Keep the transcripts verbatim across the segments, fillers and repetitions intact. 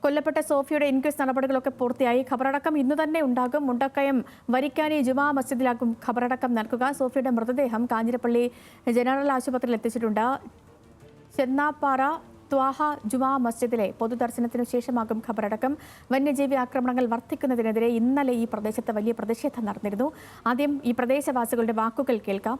കൊല്ലപ്പെട്ട സോഫിയുടെ ഇൻക്വസ്റ്റ് നടപടികളൊക്കെ പൂർത്തിയായി. ഖബറടക്കം ഇന്ന് തന്നെ ഉണ്ടാകും. മുണ്ടക്കയം വരിക്കാനി ജുമാ മസ്ജിദിലാകും ഖബറടക്കം നടക്കുക. സോഫിയുടെ മൃതദേഹം കാഞ്ഞിരപ്പള്ളി ജനറൽ ആശുപത്രിയിൽ എത്തിച്ചിട്ടുണ്ട്. ചെന്നാപ്പാറ ത്വാഹ ജുമാ മസ്ജിദിലെ പൊതുദർശനത്തിനു ശേഷമാകും ഖബറടക്കം. വന്യജീവി ആക്രമണങ്ങൾ വർദ്ധിക്കുന്നതിനെതിരെ ഇന്നലെ ഈ പ്രദേശത്ത് വലിയ പ്രതിഷേധം നടന്നിരുന്നു. ആദ്യം ഈ പ്രദേശവാസികളുടെ വാക്കുകൾ കേൾക്കാം.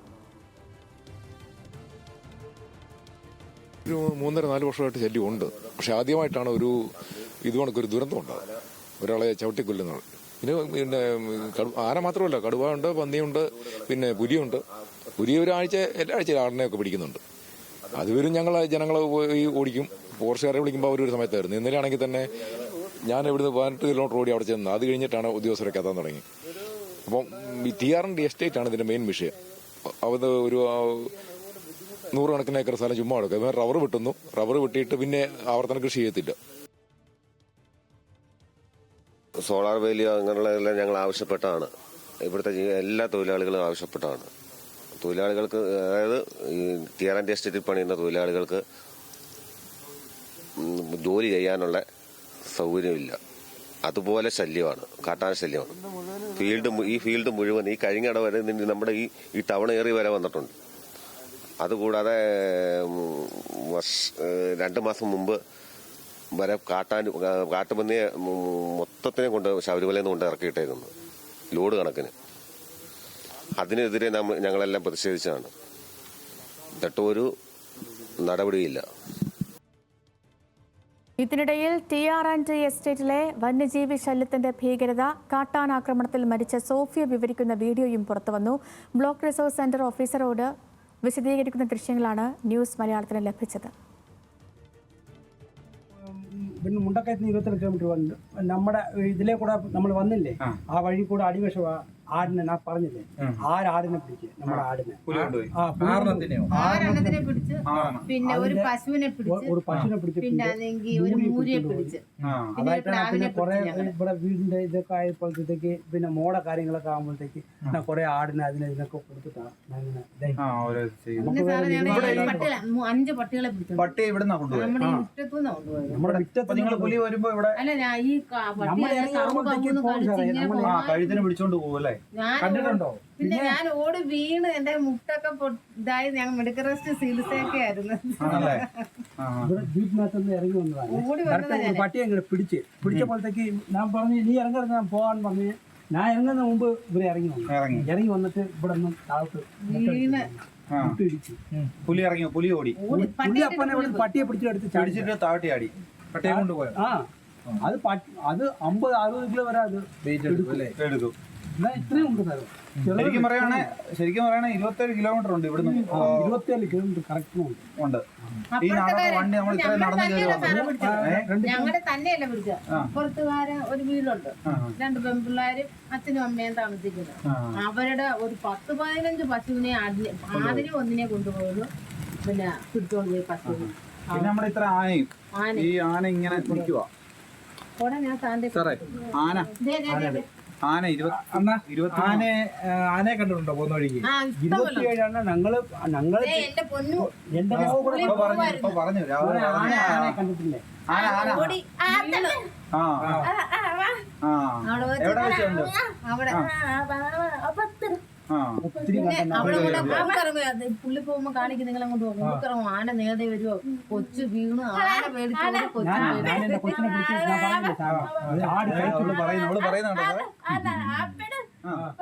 ഒരു മൂന്നര നാല് വർഷമായിട്ട് ശല്യമുണ്ട്. പക്ഷെ ആദ്യമായിട്ടാണ് ഒരു ഇതുകൊണ്ടൊരു ദുരന്തം ഉണ്ടാകുന്നത്, ഒരാളെ ചവിട്ടിക്കൊല്ലുന്നത്. പിന്നെ പിന്നെ ആന മാത്രമല്ല, കടുവയുണ്ട്, പന്നിയുണ്ട്, പിന്നെ പുലിയുണ്ട്. പുലി ഒരാഴ്ച എല്ലാ ആഴ്ച ആടിനെയൊക്കെ പിടിക്കുന്നുണ്ട്. അതുവരും ഞങ്ങൾ ജനങ്ങൾ പോയി ഓടിക്കും. ഫോറസ്റ്റുകാരെ വിളിക്കുമ്പോൾ അവർ ഒരു സമയത്തായിരുന്നു. ഇന്നലെ ആണെങ്കിൽ തന്നെ ഞാൻ ഇവിടുന്ന് പതിനെട്ട് കിലോമീറ്റർ ഓടി അവിടെ ചെന്ന് അത് കഴിഞ്ഞിട്ടാണ് ഉദ്യോഗസ്ഥരൊക്കെ എത്താൻ തുടങ്ങി. അപ്പം ഈ T R N D estate ആണ് ഇതിന്റെ മെയിൻ വിഷയം. അത് ഒരു നൂറുകണക്കിന് ഏക്കർ സ്ഥലം ചുമ്മാ എടുക്കുക. റബ്ബർ വെട്ടുന്നു, റബ്ബർ വെട്ടിയിട്ട് പിന്നെ ആവർത്തന കൃഷി ചെയ്യത്തില്ല. സോളാർ വേലി അങ്ങനെയുള്ളതെല്ലാം ഞങ്ങൾ ആവശ്യപ്പെട്ടാണ്. ഇവിടുത്തെ എല്ലാ തൊഴിലാളികളും ആവശ്യപ്പെട്ടാണ്. തൊഴിലാളികൾക്ക്, അതായത് ഈ ടി ആർ എൻ ഡി എസ്റ്റേറ്റിൽ പണിയുന്ന തൊഴിലാളികൾക്ക് ജോലി ചെയ്യാനുള്ള സൗകര്യമില്ല. അതുപോലെ ശല്യമാണ്, കാട്ടാന ശല്യമാണ്. ഫീൽഡ് ഈ ഫീൽഡ് മുഴുവൻ ഈ കഴിഞ്ഞിട വരെ നമ്മുടെ ഈ ഈ ടൗൺ ഏറിയ വരെ വന്നിട്ടുണ്ട്. അതുകൂടാതെ രണ്ട് മാസം മുമ്പ് വരെ കാട്ടാൻ കാട്ടുപന്നിയെ മൊത്തത്തിനെ കൊണ്ട് ശബരിമലയിൽ നിന്ന് കൊണ്ട് ഇറക്കിയിട്ടേക്കുന്നു, ലോഡ് കണക്കിന്. അതിനെതിരെ നമ്മൾ ഞങ്ങളെല്ലാം പ്രതിഷേധിച്ചതാണ്. എന്നിട്ടും ഒരു നടപടിയില്ല. ഇതിനിടയിൽ ടി ആർ ആൻഡ് ടി എസ്റ്റേറ്റിലെ വന്യജീവി ശല്യത്തിന്റെ ഭീകരത, കാട്ടാനാക്രമണത്തിൽ മരിച്ച സോഫിയ വിവരിക്കുന്ന വീഡിയോയും പുറത്തുവന്നു. ബ്ലോക്ക് റിസോഴ്സ് സെന്റർ ഓഫീസറോട് വിശദീകരിക്കുന്ന ദൃശ്യങ്ങളാണ് ന്യൂസ് മലയാളത്തിന് ലഭിച്ചത്. പിന്നെ മുണ്ടക്കയത്ത് നിന്ന് ഇരുപത്തിരണ്ട് കിലോമീറ്റർ വന്നു നമ്മുടെ ഇതിലെ കൂടെ നമ്മൾ വന്നില്ലേ, ആ വഴി കൂടെ അടിവശ ആടിനെ ഞാൻ പറഞ്ഞില്ലേ, ആരാടിനെ പിടിച്ച് നമ്മുടെ ആടിനെ പിന്നെ ഒരു പശുവിനെ ഒരു പശുവിനെ പിടിച്ച് അതായിട്ടാണ്. പിന്നെ കുറെ ഇവിടെ വീടിന്റെ ഇതൊക്കെ ആയപ്പോഴത്തേക്ക് പിന്നെ മോടെ കാര്യങ്ങളൊക്കെ ആകുമ്പോഴത്തേക്ക് കുറെ ആടിനെ അതിനെ ഇതിനൊക്കെ കൊടുത്തിട്ടാണ് അഞ്ച് പട്ടികളെ പട്ടി ഇവിടുന്ന് കൊണ്ടുപോയി. നമ്മുടെ മുറ്റത്ത് നിങ്ങൾ പുലി വരുമ്പോ ഇവിടെ കഴുത്തിന് പിടിച്ചോണ്ട് പോകുമല്ലേ? കണ്ടിട്ടുണ്ടോ? പിന്നെ ഞാൻ ഓടി വീണ് എന്റെ മുട്ടൊക്കെ ഇതായി ഞങ്ങൾ മെഡിക്കൽ റെസ്റ്റ് ചികിത്സയൊക്കെ ആയിരുന്നു. ജീപ്പിനകത്തുനിന്ന് ഇറങ്ങി വന്നതാണ്. പട്ടിയെ ഇങ്ങനെ പിടിച്ച് പിടിച്ചപ്പോഴത്തേക്ക് ഞാൻ പറഞ്ഞു നീ ഇറങ്ങരുത്, ഞാൻ പോകാൻ പറഞ്ഞു. ഞാൻ ഇറങ്ങുന്ന മുമ്പ് ഇവരെ ഇറങ്ങി വന്നു. ഇറങ്ങി വന്നിട്ട് ഇവിടെ നിന്ന് താഴത്ത് വീണ് ഇടിച്ചു. പുലി ഇറങ്ങിയോ? പുലി ഓടി. പുലി അപ്പനെ ഇവിടെ പട്ടിയെ പിടിച്ചെടുത്ത് പിടിച്ചിട്ട് താഴ്ത്തി ആടി. പട്ടിയെ കൊണ്ടുപോയോ? ആ അത് അത് അമ്പത് അറുപത് കിലോ വരെ അത് എടുത്തു. ഇത്രയും ഉണ്ട് സാർ. ശരിക്കും പറയുകയാണെ ശരിക്കും പറയുകയാണെ ഇരുപത്തേഴ് കിലോമീറ്റർ ഉണ്ട് ഇവിടുന്ന്. ഇരുപത്തിയേഴ് കിലോമീറ്റർ കറക്റ്റ് ഉണ്ട്. ഈ നടന്ന വണ്ടി നമ്മൾ ഇത്ര നടന്നു കയറി ഞങ്ങളുടെ തന്നെയല്ല പിടിച്ച പുറത്തുകാരൻ ഒരു വീടുണ്ട്, രണ്ട് പെൺപിള്ളേരും അച്ഛനും അമ്മയും താമസിക്കുന്നത്. അവരുടെ ഒരു പത്ത് പതിനഞ്ച് പശുവിനെ ആദ്യം ഒന്നിനെ കൊണ്ടുപോയത് പിന്നെ പിടിച്ചോണ്ട് പോയി പശുവിനെ. പിന്നെ നമ്മുടെ ഇത്ര ആനയും ഈ ആന ഇങ്ങനെ നിൽക്കുക. സാറേ ആന ആന ഇരുപത്തി ആനയെ ആനയെ കണ്ടിട്ടുണ്ടോ പോകുന്ന വഴിക്ക്? ഇരുപത്തിയേഴാണ് ഞങ്ങള് ഞങ്ങള് എന്റെ പറഞ്ഞു ആന കണ്ടിട്ടില്ലേ? ആന ആന ആ എവിടെ വെച്ചുണ്ട്? പുള്ളി പോകുമ്പോ കാണിക്കും നിങ്ങൾ അങ്ങോട്ട് പോകും. ആന നേടെ വരുമോ, കൊച്ചു വീണു, ആന പേടിച്ചോണ്ട് കൊച്ചു പറയുന്നുണ്ട്. പറയുന്നുണ്ടോ?